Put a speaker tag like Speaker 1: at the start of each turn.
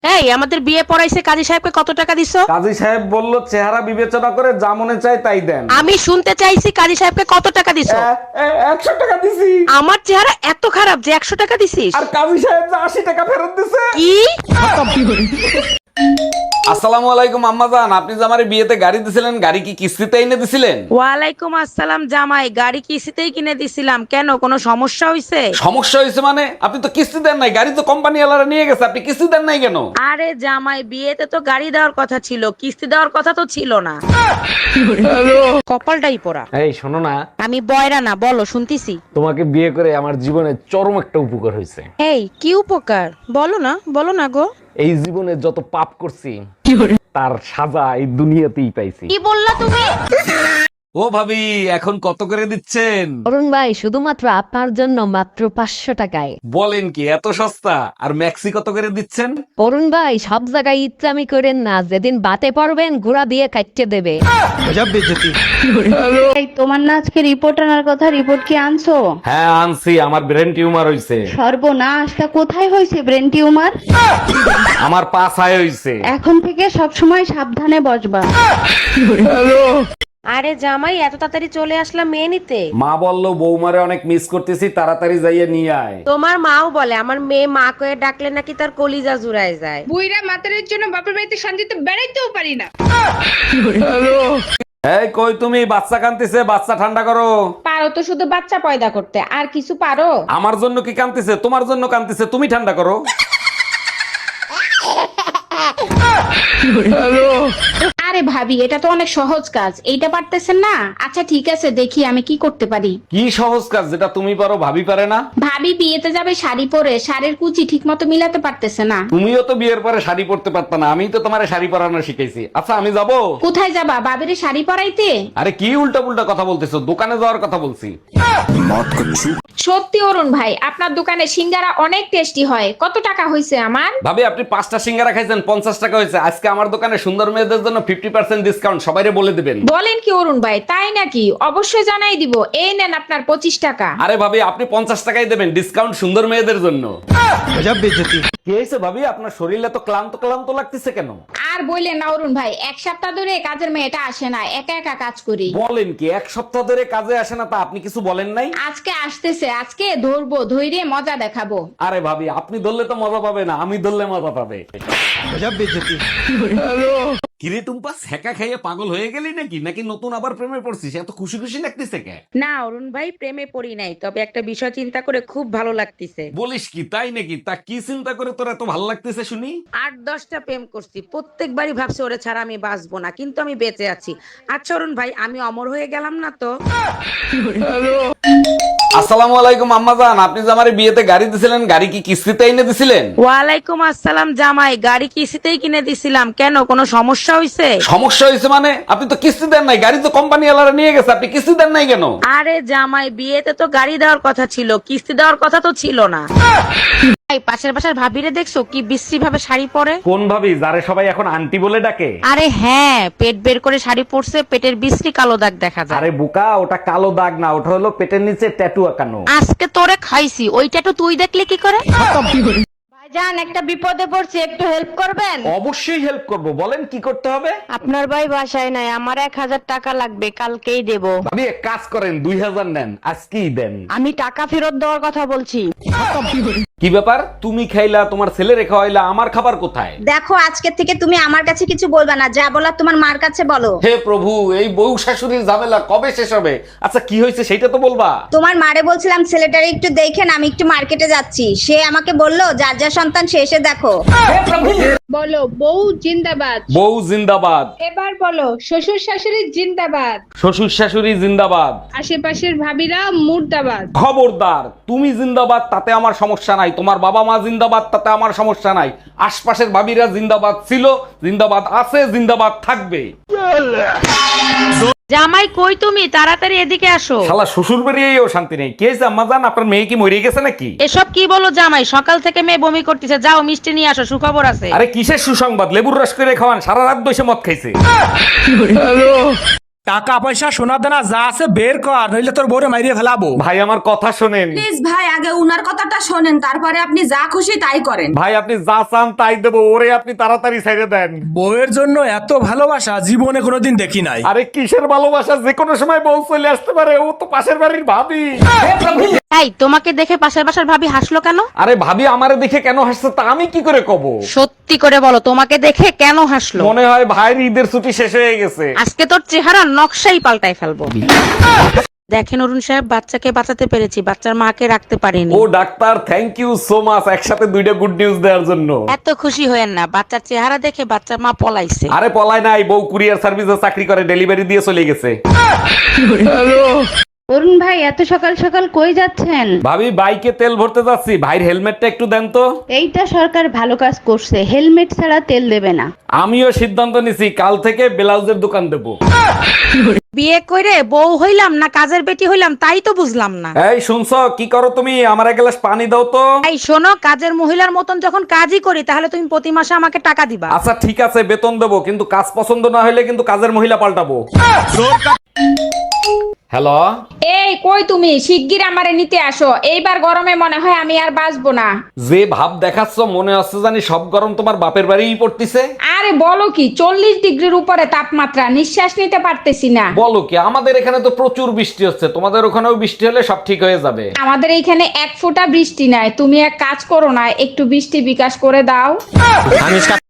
Speaker 1: এই আমাদের বিয়ে পড়াইছে কাজী সাহেবকে কত টাকা দিছো?
Speaker 2: কাজী সাহেব বলল চেহারা বিবেচনা করে যা মনে চায় তাই দেন।
Speaker 1: আমি শুনতে চাইছি কাজী সাহেবকে কত টাকা দিছো?
Speaker 2: 100 টাকা দিছি।
Speaker 1: আমার চেহারা এত খারাপ যে 100 টাকা দিছিস?
Speaker 2: আর কাজী সাহেব যে 80 টাকা ফেরত দিছে।
Speaker 1: কি?
Speaker 2: আসসালামু আলাইকুম আম্মাজান, আপনি যে আমার বিয়েতে গাড়ি দিছিলেন, গাড়ি কি কিস্তিতে এনে দিছিলেন?
Speaker 1: ওয়ালাইকুম আসসালাম জামাই, গাড়ি কিস্তিতেই কিনে দিছিলাম। কেন, কোনো সমস্যা হইছে?
Speaker 2: সমস্যা হয়েছে মানে? আপনি তো কিস্তি দেন নাই, গাড়ি তো কোম্পানি ওয়ালারা নিয়ে গেছে, আপনি কিস্তি দেন নাই কেন?
Speaker 1: আরে জামাই, বিয়েতে তো গাড়ি দেওয়ার কথা ছিল, কিস্তি দেওয়ার কথা তো ছিল না। কপালটাই পোড়া।
Speaker 2: এই শোনো না,
Speaker 1: আমি বয়রা না, বলো শুনতিছি।
Speaker 2: তোমাকে বিয়ে করে আমার জীবনে চরম একটা উপকার হয়েছে।
Speaker 1: এই কি উপকার? বলো না, বলো না গো।
Speaker 2: এই জীবনে যত পাপ করছি তার সাজা এই দুনিয়াতেই পাইছি।
Speaker 1: কি বললা তুমি?
Speaker 2: ও ভাবি, এখন কত করে দিচ্ছেন?
Speaker 3: অরুণ ভাই, শুধুমাত্র আপনার জন্য মাত্র 500 টাকায়।
Speaker 2: বলেন কি, এত সস্তা? আর ম্যাক্সি কত করে দিচ্ছেন?
Speaker 3: অরুণ ভাই, সব জায়গায় ইচ্ছামি করেন না, যেদিন বাতে পারবেন ঘোড়া দিয়ে কাটতে দেবে।
Speaker 4: এই তোমার না আজকে রিপোর্ট আনার কথা, রিপোর্ট কি আনছো?
Speaker 2: হ্যাঁ আনছি, আমার ব্রেন টিউমার হইছে।
Speaker 4: সর্বনাশ, তা কোথায় হয়েছে ব্রেন টিউমার?
Speaker 2: আমার পা ছায় হইছে।
Speaker 4: এখন থেকে সব সময় সাবধানে বসবা।
Speaker 1: আরে জামাই, এত তাড়াতাড়ি চলে আসলাম মেয়ে নিতে?
Speaker 2: মা বললো বৌমারে অনেক মিস করতেছি, তাড়াতাড়ি যাইয়ে নিয়ে আয়।
Speaker 1: তোমার মাও বলে আমার মেয়ে মা কয়ে ডাকলে নাকি তার কলিজা জুড়ায় যায়।
Speaker 5: বুইরা মাতারের জন্য বাপের বাড়িতে শান্তিতে বেড়াইতেও পারি না।
Speaker 2: এই কই তুমি? বাচ্চা কান্তিছে, বাচ্চা ঠান্ডা করো।
Speaker 5: পারো তো শুধু বাচ্চা পয়দা করতে, আর কিছু পারো?
Speaker 2: আমার জন্য কি কান্তিছে? তোমার জন্য কান্তিছে, তুমি ঠান্ডা করো।
Speaker 5: আরে ভাবি, এটা তো অনেক সহজ কাজ, এইটা পারতেছেন না? আচ্ছা ঠিক আছে, দেখি আমি কি করতে পারি।
Speaker 2: কি সহজ কাজ যেটা তুমি পারো ভাবি পারে না?
Speaker 5: ভাবি বিয়েতে যাবে শাড়ি পরে, শাড়ির কুচি ঠিক মতো মিলাতে পারতেছে না।
Speaker 2: তুমিও তো বিয়ের পরে শাড়ি পরতে পারত না, আমি তো তোমারে শাড়ি পরানো শিখাইছি। আচ্ছা আমি যাব।
Speaker 5: কোথায় যাবা? বাবিরে শাড়ি পরাইতে?
Speaker 2: আরে কি উল্টা পুল্টা কথা বলতেছো, দোকানে যাওয়ার কথা বলছি।
Speaker 5: সত্যি অরুণ ভাই, আপনার দোকানে সিঙ্গারা অনেক টেস্টি হয়। কত টাকা হয়েছে আমার?
Speaker 2: ভাবি আপনি 5টা সিঙ্গারা খাইছেন, 50 টাকা হয়েছে। আজকে আমার দোকানে সুন্দর মেয়েদের জন্য 50% ডিসকাউন্ট, সবাইরে বলে দিবেন।
Speaker 5: বলেন কি অরুণ ভাই, তাই নাকি? অবশ্যই জানাই দিব। এই নেন আপনার 25 টাকা।
Speaker 2: আরে ভাবি, আপনি 50 টাকাই দেবেন, ডিসকাউন্ট সুন্দর মেয়েদের জন্য। কি হয়েছে ভাবি, আপনার শরীরে তো ক্লান্ত ক্লান্ত লাগতেছে কেন?
Speaker 5: আর বললেন না অরুণ ভাই, এক সপ্তাহ ধরে কাজের মেয়েটা আসে না, একা একা কাজ করি।
Speaker 2: বলেন কি, এক সপ্তাহ ধরে কাজে আসে না? তা আপনি কিছু বলেন নাই?
Speaker 5: আজকে আসতেছে, আজকে ধরবো, ধৈর্য মজা দেখাবো।
Speaker 2: আরে ভাবি, আপনি ধরলে তো মজা পাবে না, আমি ধরলে মজা পাবে। কিরে টুম্পা, সেকা খাইয়ে পাগল হয়ে গেলি নাকি? নাকি নতুন আবার প্রেমে পড়ছিস? এত খুশি খুশি লাগতেছে কে?
Speaker 1: না অরুণ ভাই, প্রেমে পড়ি নাই, তবে একটা বিষয় চিন্তা করে খুব ভালো লাগতেছে।
Speaker 2: বলিস কি, তাই নাকি? তা কি চিন্তা করে তোর এত ভালো লাগতেছে শুনি?
Speaker 1: 8-10টা প্রেম করছি, প্রত্যেকবারই ভাবছি ওরে ছাড়া আমি বাঁচবো না, কিন্তু আমি বেঁচে আছি। আচ্ছা অরুণ ভাই, আমি অমর হয়ে গেলাম না তো?
Speaker 2: আসসালামু আলাইকুম আম্মাজান, আপনি যে আমার বিয়েতে গাড়ি দিছিলেন, গাড়ি কি কিস্তিতে এনে দিছিলেন?
Speaker 1: ওয়ালাইকুম আসসালাম জামাই, গাড়ি কিস্তিতেই কিনে দিছিলাম। কেন, কোনো সমস্যা হইছে?
Speaker 2: সমস্যা হয়েছে মানে? আপনি তো কিস্তি দেন নাই, গাড়ি তো কোম্পানি ওয়ালারা নিয়ে গেছে, আপনি কিস্তি দেন নাই কেন?
Speaker 1: আরে জামাই, বিয়েতে তো গাড়ি দেওয়ার কথা ছিল, কিস্তি দেওয়ার কথা তো ছিল না। এই পাশের বাসার ভাবিরে দেখছো কি বিশ্রী ভাবে শাড়ি পরে?
Speaker 2: কোন ভাবি, যারে সবাই এখন আন্টি বলে ডাকে?
Speaker 1: আরে হ্যাঁ, পেট বের করে শাড়ি পরছে, পেটের বিশ্রী কালো দাগ দেখা যায়।
Speaker 2: আরে বোকা, ওটা কালো দাগ না, ওটা হলো পেটের নিচে ট্যাটু আঁকানো।
Speaker 1: আজকে তোরে খাইছি, ওইটা তো তুই দেখলে কি করে?
Speaker 4: ভাইজান, একটা বিপদে পড়ছি, একটু হেল্প করবেন?
Speaker 2: অবশ্যই হেল্প করব, বলেন কি করতে হবে?
Speaker 4: আপনার ভাই বাসায় নাই, আমার 1000 টাকা লাগবে, কালকেই দেব।
Speaker 2: ভাবি এক কাজ করেন, 2000 নেন, আজকেই দেন।
Speaker 4: আমি টাকা ফেরত দেওয়ার কথা বলছি।
Speaker 2: কি ব্যাপার, তুমি খাইলা, তোমার ছেলে রেখা হইলা, আমার খাবার কোথায়?
Speaker 6: দেখো, আজকে থেকে তুমি আমার কাছে কিছু বলবা না, যা বলার তোমার মার কাছে বলো।
Speaker 2: হে প্রভু, এই বউ শাশুড়ির ঝামেলা কবে শেষ হবে? আচ্ছা কি হয়েছে সেটা তো বলবা।
Speaker 6: তোমার মারে বলছিলাম ছেলেটারে একটু দেখেন, আমি একটু মার্কেটে যাচ্ছি। সে আমাকে বললো যার যা সন্তান সে এসে দেখো।
Speaker 5: বলো বউ জিন্দাবাদ।
Speaker 2: বউ জিন্দাবাদ।
Speaker 5: এবার বলো শ্বশুর শাশুড়ি জিন্দাবাদ।
Speaker 2: শ্বশুর শাশুড়ি জিন্দাবাদ।
Speaker 5: আশেপাশের ভাবিরা মুর্দাবাদ।
Speaker 2: খবরদার, তুমি জিন্দাবাদ তাতে আমার সমস্যা নাই, তোমার বাবা মা জিন্দাবাদ তাতে আমার সমস্যা নাই, আশপাশের ভাবিরা জিন্দাবাদ ছিল, জিন্দাবাদ আছে, জিন্দাবাদ থাকবে।
Speaker 1: জামাই কই তুমি? তাড়াতাড়ি এদিকে আসো।
Speaker 2: শালা শ্বশুর বেরিয়েও শান্তি নেই। কে হয়েছে আম্মাজান, আপনার মেয়ে কি মরে গেছে নাকি?
Speaker 1: এসব কি বলো জামাই, সকাল থেকে মেয়ে বমি করতেছে, যাও মিষ্টি নিয়ে আসো, সুখবর আছে।
Speaker 2: আরে কিসের সুসংবাদ, লেবুর রস করে খাওয়ান, সারা রাত বসে মদ খাইছে।
Speaker 7: টাকা পয়সা সোনা দানা যা আছে বের কর, নইলে তোর বউরে মাইরিয়ে ফেলাবো।
Speaker 2: ভাই আমার কথা শোনেন।
Speaker 8: প্লিজ ভাই আগে উনার কথাটা শোনেন, তারপরে আপনি যা খুশি তাই করেন।
Speaker 2: ভাই আপনি যা চান তাই দেবো, ওরে আপনি তাড়াতাড়ি ছেড়ে দেন।
Speaker 7: বউয়ের জন্য এত ভালোবাসা জীবনে কোনোদিন দেখি নাই।
Speaker 2: আরে কিসের ভালোবাসা, যে কোনো সময় বউ চলে আসতে পারে, ও তো পাশের বাড়ির ভাবি।
Speaker 1: এই তোমাকে দেখে পাশের বাসার ভাবি হাসলো কেন?
Speaker 2: আরে ভাবি আমারে দেখে কেন হাসছে তা আমি কি করে কব?
Speaker 1: সত্যি করে বলো, তোমাকে দেখে কেন হাসলো?
Speaker 2: মনে হয় ভাইয়ের ঈদের ছুটি শেষ হয়ে গেছে।
Speaker 1: আজকে তোর চেহারা নকশাই পাল্টাই ফেলবো। দেখেন অরুণ সাহেব, বাচ্চাকে বাঁচাতে পেরেছি, বাচ্চার মাকে রাখতে পারিনি।
Speaker 2: ও doctor, thank you so much একসাথে দুইটা গুড নিউজ দেওয়ার জন্য।
Speaker 1: এত খুশি হয়েন না, বাচ্চার চেহারা দেখে বাচ্চার মা পলাইছে।
Speaker 2: আরে পলায় নাই, বউ কুরিয়ার সার্ভিসে চাকরি করে, ডেলিভারি দিয়ে চলে গেছে।
Speaker 5: অরুণ ভাই এত সকাল সকাল কই যাচ্ছেন?
Speaker 2: ভাবি বাইকে তেল ভরতে যাচ্ছি, ভাইয়ের হেলমেটটা একটু দেন তো।
Speaker 5: এইটা সরকার ভালো কাজ করছে, হেলমেট ছাড়া তেল দেবে না।
Speaker 2: আমিও সিদ্ধান্ত নিছি, কাল থেকে ব্লাউজের দোকান দেবো।
Speaker 1: বিয়ে করে বউ হইলাম না কাজের বেটি হইলাম তাই তো বুঝলাম না।
Speaker 2: এই শুনছো, কি করো তুমি? আমার এক গ্লাস পানি দাও তো।
Speaker 1: এই শোনো, কাজের মহিলার মতন যখন কাজই করি তাহলে তুমি প্রতি মাসে আমাকে টাকা দিবা।
Speaker 2: আচ্ছা ঠিক আছে, বেতন দেবো, কিন্তু কাজ পছন্দ না হলে কিন্তু কাজের মহিলা পাল্টাবো। হ্যালো,
Speaker 5: এই কই তুমি? শিগগির আমারে নিতে আসো, এইবার গরমে মনে হয় আমি আর বাঁচবো না।
Speaker 2: যে ভাব দেখাচ্ছ মনে হচ্ছে জানি সব গরম তোমার বাপের বাড়িই পড়তিছে।
Speaker 5: আরে বলো কি, 40 ডিগ্রির উপরে তাপমাত্রা, নিঃশ্বাস নিতে পারতেছি না।
Speaker 2: বলো কি, আমাদের এখানে তো প্রচুর বৃষ্টি হচ্ছে, তোমাদের ওখানেও বৃষ্টি হলে সব ঠিক হয়ে যাবে।
Speaker 5: আমাদের এইখানে এক ফোঁটা বৃষ্টি নাই। তুমি এক কাজ করো না, একটু বৃষ্টি বিকাশ করে দাও।